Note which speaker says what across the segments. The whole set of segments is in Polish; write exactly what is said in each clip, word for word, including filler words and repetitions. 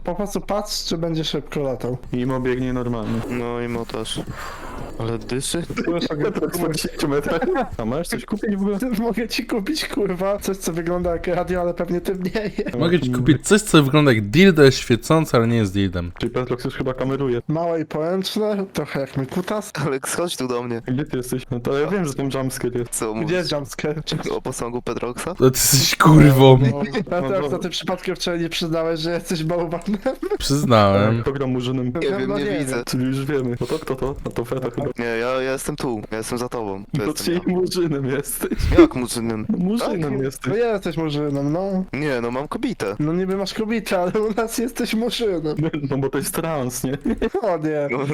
Speaker 1: Po prostu patrz, czy będzie szybko latał.
Speaker 2: Imo biegnie normalnie.
Speaker 3: No i mo też. Ale dyszy?
Speaker 2: Petrox po dziesięciu metrach. A możesz coś kupić w ogóle?
Speaker 1: Mogę ci kupić, kurwa, coś, co wygląda jak radio, ale pewnie tym nie jest.
Speaker 4: Mogę ci kupić coś, co wygląda jak dildo, jest świecące, ale nie jest dildem.
Speaker 2: Czyli Petrox już chyba kameruje.
Speaker 1: Małe i poręczne, trochę jak mój kutas.
Speaker 3: Aleks, chodź tu do mnie.
Speaker 2: Gdzie ty jesteś? No to ja wiem, że ten jumpscare jest.
Speaker 3: Co
Speaker 1: Gdzie
Speaker 3: mówisz?
Speaker 1: jest jumpscare?
Speaker 3: O posągu Petroxa?
Speaker 4: To ty jesteś kurwą.
Speaker 2: No,
Speaker 1: Petrox,
Speaker 2: dobra.
Speaker 1: to ty przypadkiem wczoraj nie przyznałeś, że jesteś bałwanem?
Speaker 4: Przyznałem.
Speaker 2: Program murzynem.
Speaker 3: Nie
Speaker 1: No,
Speaker 3: wiem,
Speaker 1: no
Speaker 3: nie
Speaker 1: nie
Speaker 3: widzę.
Speaker 2: Czyli już wiemy. No to kto to? No to Feta chyba.
Speaker 3: Nie, ja, ja jestem tu. Ja jestem za tobą. To
Speaker 2: To
Speaker 3: jestem
Speaker 2: czyli murzynem jesteś.
Speaker 3: ja. Jak murzynem?
Speaker 2: Murzynem
Speaker 1: No
Speaker 2: jesteś.
Speaker 1: jesteś murzynem, no.
Speaker 3: Nie, no mam kobietę.
Speaker 1: No niby masz kobietę, ale u nas jesteś murzynem.
Speaker 2: No bo to jest trans, nie?
Speaker 1: O nie.
Speaker 3: No,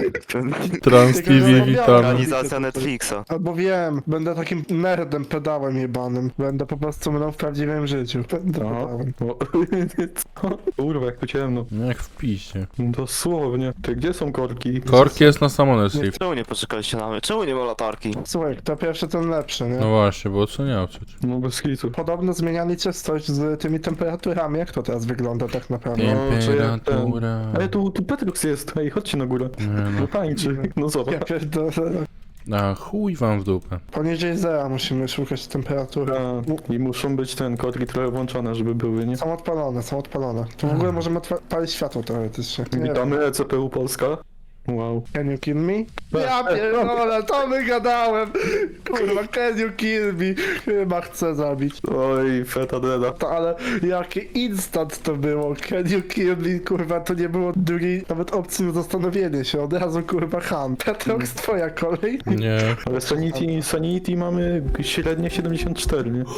Speaker 4: Trans T V, witamy.
Speaker 3: Organizacja Netflixa.
Speaker 1: Albo wiem, będę takim nerdem, pedałem jebanym. Będę po prostu mną w prawdziwym życiu. Będę
Speaker 2: Aha.
Speaker 1: pedałem.
Speaker 2: O, co? Kurwa, jak tu ciemno.
Speaker 4: No jak w pisie.
Speaker 2: Dosłownie. Ty, gdzie są korki?
Speaker 4: Korki jest na Summoner's Rift.
Speaker 3: Czemu nie poczekaliście na mnie? Czemu nie ma latarki?
Speaker 1: Słuchaj, to pierwszy, ten lepszy, nie?
Speaker 4: No właśnie, bo oceniał przecież.
Speaker 2: No bez hitu.
Speaker 1: Podobno zmieniali czystość z tymi temperaturami. Jak to teraz wygląda tak naprawdę?
Speaker 2: No, czy jak ten-
Speaker 4: Temperatura.
Speaker 2: Ej, tu, tu Petrox jest. Ej, chodźcie na górę.
Speaker 4: Nie
Speaker 2: No
Speaker 4: no.
Speaker 2: tańczy. No
Speaker 1: Ja
Speaker 2: zobacz.
Speaker 1: pierdolę.
Speaker 4: A chuj wam w dupę.
Speaker 1: Poniżej zera musimy szukać temperatury.
Speaker 2: A, I muszą być ten korki trochę włączone, żeby były, nie?
Speaker 1: Są odpalone, są odpalone. To w ogóle możemy odpalić światło teoretycznie. Nie wiem.
Speaker 2: Witamy E C P U Polska. Wow.
Speaker 1: Can you kill me?
Speaker 2: Tak,
Speaker 1: Ja
Speaker 2: tak.
Speaker 1: pierdolę, to wygadałem! Kurwa, can you kill me? Chyba chcę zabić.
Speaker 2: Oj, Feta Deda.
Speaker 1: To, ale jaki instant to było? Can you kill me? Kurwa, to nie było drugiej nawet opcji na zastanowienie się. Od razu kurwa Han. Petrox, twoja kolej.
Speaker 4: Nie.
Speaker 2: Ale Sanity, Sanity mamy średnie siedemdziesiąt cztery, nie?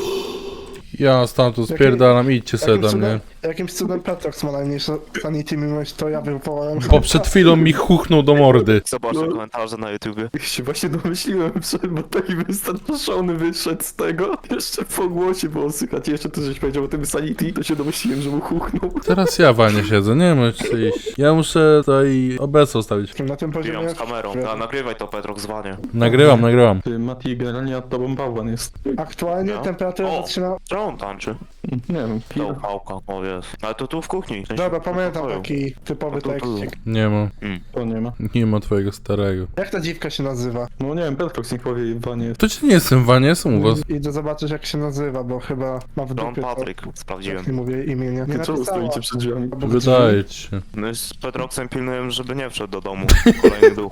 Speaker 4: Ja stamtąd spierdalam, idźcie sobie
Speaker 1: Jakimś
Speaker 4: do mnie.
Speaker 1: cudem, jakimś cudem Petrox ma najmniejsze sanity, mimo że to ja wywołałem.
Speaker 4: Bo przed chwilą mi chuchnął do mordy.
Speaker 3: Zobaczę
Speaker 2: No.
Speaker 3: komentarze na YouTubie.
Speaker 2: Ja się właśnie domyśliłem, że bo taki wystraszony wyszedł z tego. Jeszcze po głosie było słychać. Jeszcze ty żeś powiedział o tym Sanity, to się domyśliłem, że mu huchnął.
Speaker 4: Teraz ja wanie siedzę, nie możesz iść. Ja muszę tutaj obecną stawić.
Speaker 1: Na tym poziomie...
Speaker 3: Bijam z kamerą. A, nagrywaj to Petrox zwanie.
Speaker 4: Nagrywam, nagrywam.
Speaker 2: Ty, Mati, generalnie nad tobą bałwan jest.
Speaker 1: Aktualnie
Speaker 3: No.
Speaker 1: temperatura
Speaker 3: O.
Speaker 1: zaczyna...
Speaker 3: Czemu on tańczy?
Speaker 2: Nie wiem,
Speaker 3: Ta
Speaker 2: chwilę.
Speaker 3: upałka, o jest. Ale to tu w kuchni. w sensie
Speaker 1: Dobra,
Speaker 3: w
Speaker 1: pamiętam
Speaker 3: pokoju.
Speaker 1: taki typowy
Speaker 3: No to tu.
Speaker 1: tekstik.
Speaker 4: Nie ma.
Speaker 2: To nie ma.
Speaker 4: Nie ma twojego starego.
Speaker 1: Jak ta dziwka się nazywa?
Speaker 2: No nie wiem, Petrox niech powie, Wanie jest.
Speaker 4: To ci nie jestem wanie, jestem u was.
Speaker 1: Idę zobaczyć jak się nazywa, bo chyba ma w
Speaker 3: John
Speaker 1: dupie to,
Speaker 3: Patrick, sprawdziłem.
Speaker 1: jak nie mówię imienia. Nie
Speaker 2: Ty co
Speaker 1: napisała.
Speaker 2: stoicie przed drzwiami?
Speaker 1: Obok drzwi.
Speaker 4: Wydaje ci się.
Speaker 3: My z Petroxem pilnujemy, żeby nie wszedł do domu. Kolejny duch.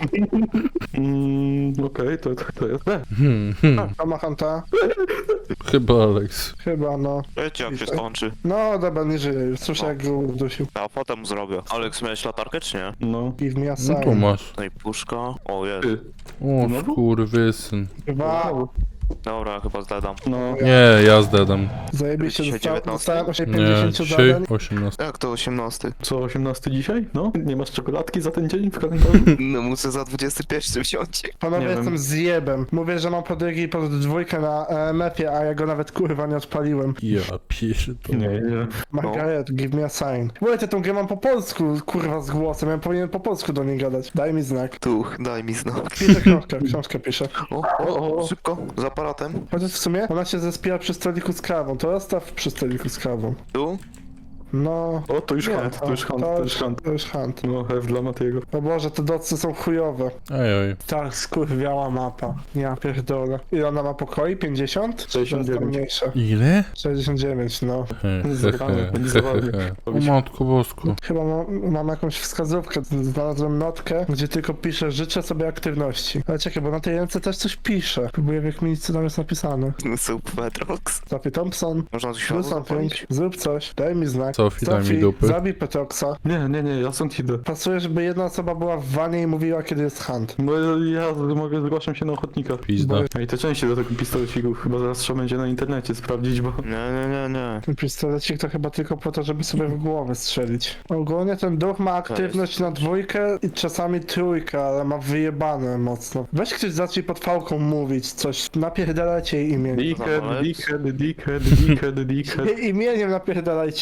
Speaker 2: Mm, okej, to, to, to jest. E,
Speaker 4: Hmm, hmm.
Speaker 1: To ma Hanta?
Speaker 4: Chyba Alex.
Speaker 1: Chyba, no.
Speaker 3: Wiecie jak się skończy.
Speaker 1: No, dobra, nie żyje już. Słyszę jak go udusił.
Speaker 3: A potem mu zrobię. Aleks, miałeś latarkę czy nie?
Speaker 2: No.
Speaker 1: Give me a
Speaker 4: No tu
Speaker 1: sign.
Speaker 4: masz.
Speaker 3: No i puszka. O jest.
Speaker 2: Ty.
Speaker 4: O, skurwysyn.
Speaker 1: Dwa.
Speaker 3: Dobra, chyba zdadam.
Speaker 2: No.
Speaker 4: Nie, ja zdedam.
Speaker 1: Zajebiście,
Speaker 3: Dzisiaj
Speaker 1: dostałem,
Speaker 3: dziewiętnasty?
Speaker 1: dostałem osiem
Speaker 4: Nie,
Speaker 1: pięćdziesiąt
Speaker 4: dzisiaj
Speaker 1: zadań.
Speaker 4: osiemnaście.
Speaker 3: Jak to osiemnasty?
Speaker 2: Co, osiemnasty dzisiaj? No? Nie masz czekoladki za ten dzień w kalendarzu?
Speaker 3: No muszę za dwudziesty pierwszy wziąć.
Speaker 1: Panowie,
Speaker 2: Nie wiem.
Speaker 1: jestem zjebem. Mówię, że mam podrygi i pod dwójkę na E M F-ie, a ja go nawet kurwa nie odpaliłem.
Speaker 4: Ja pierdolę.
Speaker 2: Nie, nie.
Speaker 1: Margaret, give me a sign. Mówię, tą grę mam po polsku, kurwa, z głosem. Ja powinien po polsku do niej gadać. Daj mi znak.
Speaker 3: Tuch, daj mi znak.
Speaker 1: Piszę książkę, książkę piszę.
Speaker 3: O, o, o, szybko, z aparatem.
Speaker 1: Chociaż w sumie ona się zespiła przy stoliku z kawą. To rozstaw przy stoliku z kawą.
Speaker 3: Tu?
Speaker 1: No...
Speaker 2: O, to już
Speaker 1: Nie,
Speaker 2: hunt, to już hunt, to już hunt.
Speaker 1: To już hunt.
Speaker 2: No, F dla Matiego.
Speaker 1: O Boże, te docy są chujowe.
Speaker 4: Ej, oj.
Speaker 1: Tak, skurwiała mapa. Ja pierdolę. Ile ona ma pokoi? pięćdziesiąt?
Speaker 2: sześćdziesiąt dziewięć.
Speaker 1: To jest tam mniejsze.
Speaker 4: Ile?
Speaker 1: sześćdziesiąt dziewięć, no.
Speaker 4: He, he,
Speaker 2: Zabrane,
Speaker 4: he,
Speaker 2: będzie
Speaker 4: he,
Speaker 2: zabawnie.
Speaker 4: he, he. O matko bosku.
Speaker 1: Chyba mam, mam jakąś wskazówkę. Znalazłem notkę, gdzie tylko piszę życzę sobie aktywności. Ale czekaj, bo na tej ręce też coś piszę. Próbuję wykminić, co tam jest napisane.
Speaker 3: Sup Petrox.
Speaker 1: Sophie Thompson,
Speaker 3: Można tu
Speaker 1: do
Speaker 3: światło
Speaker 1: something,
Speaker 3: zapalić?
Speaker 1: zrób coś, daj mi znak.
Speaker 4: Sophie, daj mi dupy.
Speaker 1: zabij Petroxa.
Speaker 2: Nie, nie, nie, ja stąd idę.
Speaker 1: Pasuje, żeby jedna osoba była w wanie i mówiła, kiedy jest hunt.
Speaker 2: Bo ja mogę, zgłaszam się na ochotnika.
Speaker 4: Pizda.
Speaker 2: Ej, te części do tego pistoleciku chyba zaraz trzeba będzie na internecie sprawdzić, bo...
Speaker 3: Nie, nie, nie, nie.
Speaker 1: Ten pistolecik to chyba tylko po to, żeby sobie w głowę strzelić. Ogólnie ten duch ma aktywność na dwójkę i czasami trójkę, ale ma wyjebane mocno. Weź ktoś zacznij pod fałką mówić coś. Napierdalajcie jej imię.
Speaker 2: Dickhead,
Speaker 3: Zamolec.
Speaker 2: dickhead, dickhead, dickhead, dickhead.
Speaker 1: Jej imieniem napierdalajcie, a nie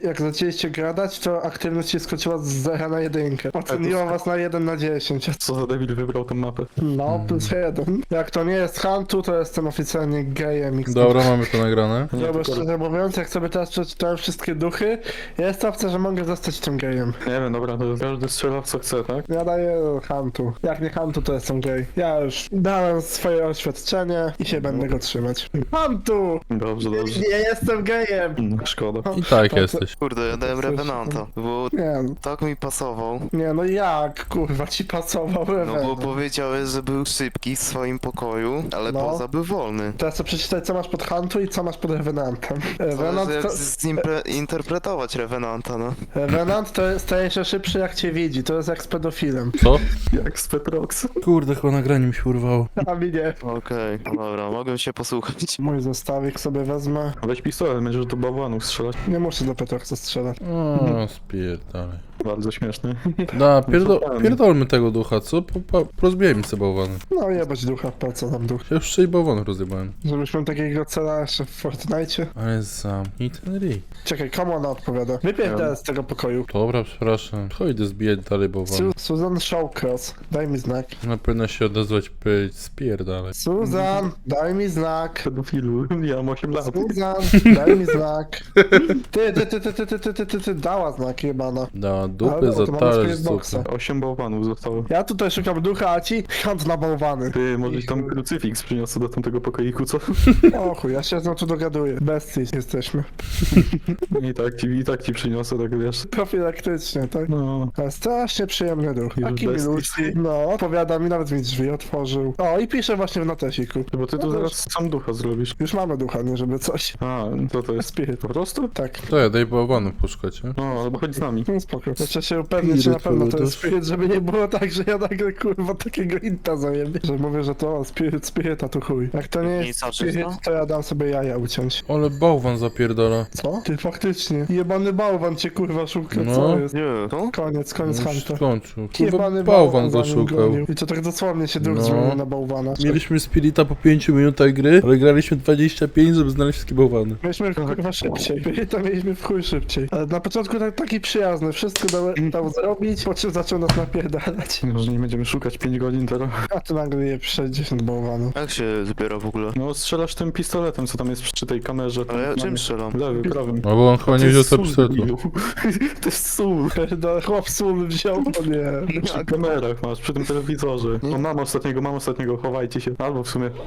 Speaker 1: jak zaczęliście gadać, to aktywność się skoczyła z zera na jedynkę. Oceniła was na jeden na dziesięć.
Speaker 2: Co za debil wybrał tę mapę?
Speaker 1: No, plus jeden. Jak to nie jest Huntu, to jestem oficjalnie gejem. X.
Speaker 4: Dobra, mamy to nagrane.
Speaker 2: Nie,
Speaker 1: Dobra,
Speaker 2: tylko-
Speaker 1: szczerze mówiąc, jak sobie teraz przeczytałem wszystkie duchy, jest opcja, że mogę zostać tym gejem.
Speaker 2: Nie wiem, dobra, to każdy strzela w co chce, tak?
Speaker 1: Ja daję Huntu. Jak nie Huntu, to jestem gej. Ja już dałem swoje oświadczenie i się będę go trzymać. Huntu!
Speaker 2: Dobrze, dobrze.
Speaker 1: Nie jestem gejem!
Speaker 2: No, szkoda.
Speaker 4: I tak
Speaker 1: To-
Speaker 4: jesteś.
Speaker 3: Kurde, ja dałem
Speaker 1: Coś-
Speaker 3: Revenanta, bo
Speaker 1: Nie,
Speaker 3: tak mi pasował.
Speaker 1: nie, no jak, kurwa, ci pasował
Speaker 3: No bo
Speaker 1: Revenant.
Speaker 3: powiedziałeś, że był szybki w swoim pokoju, ale
Speaker 1: No.
Speaker 3: poza był wolny.
Speaker 1: Teraz chcę przeczytać, co masz pod Huntu i co masz pod Revenantem.
Speaker 3: Zależy
Speaker 1: Revenant
Speaker 3: jak
Speaker 1: to,
Speaker 3: zinterpretować Revenanta, no.
Speaker 1: Revenant to staje się szybszy, jak cię widzi. To jest jak z pedofilem.
Speaker 4: Co?
Speaker 2: Jak z Petrox.
Speaker 4: Kurde, chyba nagranie mi się urwało.
Speaker 1: A mi nie.
Speaker 3: Okej, no dobra, mogę się posłuchać.
Speaker 1: Mój zestawik sobie wezmę.
Speaker 2: Weź pistolet, będziesz do bałwanów strzelać.
Speaker 1: Nie muszę do Petroxa strzelać.
Speaker 4: O, spierdalaj.
Speaker 2: Bardzo śmieszny.
Speaker 4: Da, pierdo pierdolmy tego ducha, co? Po, po, rozbijajmy sobie bałwany.
Speaker 1: No jebać ducha, po co nam duch?
Speaker 4: Ja już sześć bałwanów rozjebałem.
Speaker 1: Żebyśmy takiego cela jeszcze w Fortnite.
Speaker 4: Ale zamknij ten ryj.
Speaker 1: Czekaj, komu ona odpowiada? Wypierdolę z tego pokoju.
Speaker 4: Dobra, przepraszam. Chodź zbijać dalej bałwany.
Speaker 1: Su Susan Shawcross, daj mi znak.
Speaker 4: Na pewno się odezwać, powiedzieć spierdalaj.
Speaker 1: Susan, daj mi znak.
Speaker 2: Pedofilu, ja mam osiem lat.
Speaker 1: Susan, daj mi znak. Ty, ty, ty, ty, ty, ty, ty, ty, ty, ty, dała znak jebana.
Speaker 4: Da
Speaker 1: Ale
Speaker 4: dupy
Speaker 1: dobra,
Speaker 4: za
Speaker 1: to mamy
Speaker 4: talerz
Speaker 1: swoje boksy.
Speaker 4: zupy.
Speaker 2: Osiem bałwanów zostało.
Speaker 1: Ja tutaj szukam ducha, a ci hunt na bałwany.
Speaker 2: Ty, może tam krucyfiks przyniosę do tamtego pokoiku, co?
Speaker 1: O chuj, ja się z nią tu dogaduję. Bestii jesteśmy.
Speaker 2: I tak ci, i tak ci przyniosę, tak wiesz.
Speaker 1: Profilaktycznie, tak?
Speaker 2: No,
Speaker 1: Ale strasznie przyjemny duch.
Speaker 2: Już
Speaker 1: Taki
Speaker 2: bestii.
Speaker 1: milutki. No, opowiada mi, nawet mi drzwi otworzył. O, i pisze właśnie w notesiku.
Speaker 2: bo ty
Speaker 1: No
Speaker 2: tu
Speaker 1: to
Speaker 2: zaraz sam ducha zrobisz.
Speaker 1: Już mamy ducha, nie żeby coś.
Speaker 2: A, to to jest
Speaker 1: Spirit.
Speaker 2: po prostu?
Speaker 1: Tak.
Speaker 4: To ja daj bałwanów poszukać, nie?
Speaker 2: No, albo chodź z nami.
Speaker 1: No spoko. Trzeba się upewnić, że na
Speaker 4: Spirit
Speaker 1: pewno to jest
Speaker 4: Lotus.
Speaker 1: spirit, żeby nie było tak, że ja nagle kurwa takiego inta zajebie. Że mówię, że to o, spirit, spirit, a tu chuj. Jak to nie
Speaker 3: Nie
Speaker 1: jest
Speaker 3: zobaczysz,
Speaker 1: spirit,
Speaker 3: no?
Speaker 1: to ja dam sobie jaja uciąć.
Speaker 4: Ale bałwan zapierdala.
Speaker 1: Co? Ty faktycznie. Jebany bałwan cię kurwa szuka,
Speaker 4: No.
Speaker 1: co jest?
Speaker 3: Nie, to?
Speaker 1: Koniec, koniec
Speaker 4: Już
Speaker 1: hunta.
Speaker 4: skończył. Chyba
Speaker 1: Jebany
Speaker 4: bałwan
Speaker 1: za nim
Speaker 4: zaszukał.
Speaker 1: gonił. I to tak dosłownie się duch
Speaker 4: No.
Speaker 1: zmienił na bałwana.
Speaker 4: Mieliśmy spirita po pięciu minutach gry, ale graliśmy dwadzieścia pięć, żeby znaleźć wszystkie bałwany.
Speaker 1: Mieliśmy kurwa szybciej. To mieliśmy w chuj szybciej. Ale na początku tak, taki przyjazny, wszystko dał, dał zrobić, po czym zaczął nas napierdalać.
Speaker 2: Może nie będziemy szukać pięć godzin teraz.
Speaker 1: A tu nagle je sześćdziesiąt bałwanów.
Speaker 3: Jak się zbiera w ogóle?
Speaker 2: No, strzelasz tym pistoletem, co tam jest przy tej kamerze. tam
Speaker 3: Ale ja
Speaker 2: mamy-
Speaker 3: czym strzelam?
Speaker 2: Lewym, prawym.
Speaker 4: No bo on chyba
Speaker 2: To
Speaker 4: nie wziął
Speaker 2: jest
Speaker 4: sobie
Speaker 2: sól,
Speaker 4: pistoletu.
Speaker 2: debilu. To jest sól.
Speaker 1: Do chłop sól wziął, to nie.
Speaker 2: Przy kamerach masz, przy tym telewizorze. No mam ostatniego, mam ostatniego, chowajcie się. Albo w sumie.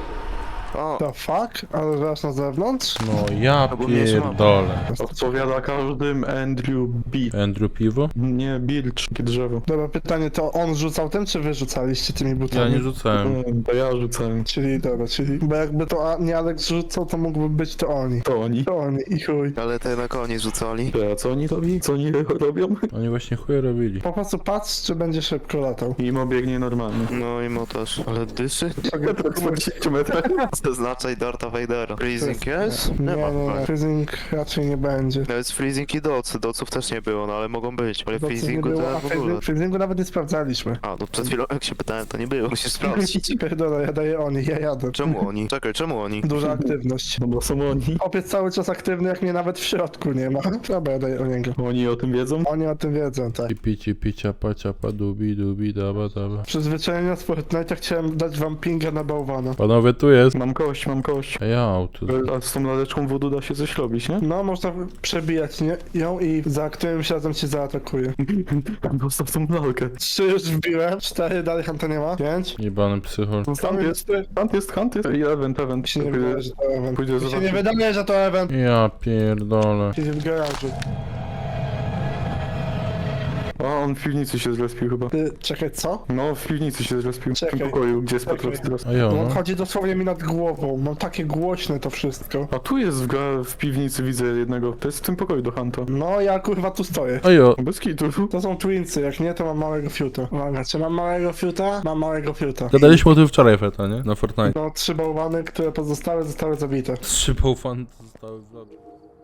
Speaker 3: O,
Speaker 1: The fuck? Ale że aż na zewnątrz?
Speaker 4: No ja
Speaker 3: Albo mnie się ma.
Speaker 4: pierdolę.
Speaker 2: Odpowiada każdym Andrew B.
Speaker 4: Andrew Piwo?
Speaker 2: Nie, Bilcz, takie drzewo.
Speaker 1: Dobra, pytanie, to on rzucał tym, czy wy rzucaliście tymi butami?
Speaker 4: Ja nie rzucałem.
Speaker 2: Mm, To ja rzucałem.
Speaker 1: Czyli dobra, czyli... Bo jakby to a, nie Alex rzucał, to mógłby być to oni.
Speaker 2: To oni.
Speaker 1: To oni i chuj.
Speaker 3: ale te na koniec rzucali.
Speaker 2: A co oni robi? Co oni robią?
Speaker 4: Oni właśnie chuje robili.
Speaker 1: Po prostu patrz, czy będzie szybko latał.
Speaker 2: Mimo biegnie normalnie.
Speaker 3: No i mo też. Ale dyszy?
Speaker 2: Metra czterdzieści metrach.
Speaker 3: Zaznaczaj Darta Vadera. Freezing jest?
Speaker 1: Nie,
Speaker 3: Nie ma.
Speaker 1: nie, nie. Freezing raczej nie będzie.
Speaker 3: Nawet freezing i docy. Doców też nie było, no ale mogą być. Ale
Speaker 1: Doców nie
Speaker 3: freezingu
Speaker 1: było,
Speaker 3: to
Speaker 1: a
Speaker 3: w ogóle.
Speaker 1: freezing- freezingu nawet nie sprawdzaliśmy.
Speaker 3: A, no przed chwilą jak się pytałem, to nie było. Musisz sprawdzić.
Speaker 1: Pierdolę, ja daję oni, ja jadę.
Speaker 3: Czemu oni? Czekaj, czemu oni?
Speaker 1: Duża aktywność.
Speaker 2: No bo są oni.
Speaker 1: Chłopiec cały czas aktywny, jak mnie nawet w środku nie ma. Dobra, ja daję o niego.
Speaker 2: Oni o tym wiedzą?
Speaker 1: Oni o tym wiedzą, tak.
Speaker 4: I pici, picia, pacia, padubi, dubi, daba, daba.
Speaker 1: Przyzwyczajenia z Fortnite'a chciałem dać wam pinga na bałwana.
Speaker 4: Panowie, tu jest.
Speaker 2: Mam kość, mam kość.
Speaker 4: A ja auto.
Speaker 2: A z tą laleczką wodu da się coś robić, nie?
Speaker 1: No, można przebijać nie? ją i za którym razem cię zaatakuje.
Speaker 2: Dostaw tą lalkę.
Speaker 1: Trzy już wbiłem, cztery, dalej Hanta nie ma. Pięć.
Speaker 4: Jebany psychol.
Speaker 1: Zostały
Speaker 2: jest.
Speaker 1: cztery.
Speaker 2: Hunt jest, hunt jest. I event, event.
Speaker 1: Mi się nie wydaje, że to event.
Speaker 2: Pójdę
Speaker 1: Mi się nie
Speaker 2: zobaczyć.
Speaker 1: wydaje, że to event.
Speaker 4: Ja pierdolę.
Speaker 1: Siedzi w garażu.
Speaker 2: A, on w piwnicy się zrespił chyba.
Speaker 1: Ty, czekaj, co?
Speaker 2: No, w piwnicy się zrespił. W
Speaker 1: Czekaj.
Speaker 2: tym pokoju, gdzie jest
Speaker 1: Czekaj.
Speaker 2: Petrox teraz.
Speaker 4: A ja
Speaker 1: On
Speaker 4: no.
Speaker 1: chodzi dosłownie mi nad głową. Mam takie głośne to wszystko.
Speaker 2: A tu jest w, ga- w piwnicy, widzę jednego. To jest w tym pokoju do Hunta.
Speaker 1: No, ja kurwa tu stoję.
Speaker 4: A ja.
Speaker 2: Bez kitu.
Speaker 1: To są twinsy, jak nie, to mam małego fiuta. Uwaga, czy mam małego fiuta? Mam małego fiuta.
Speaker 4: Gadaliśmy o tym wczoraj, Feta, nie? Na Fortnite.
Speaker 1: No, trzy bałwany, które pozostałe zostały zabite.
Speaker 4: Trzy bałwan zostały w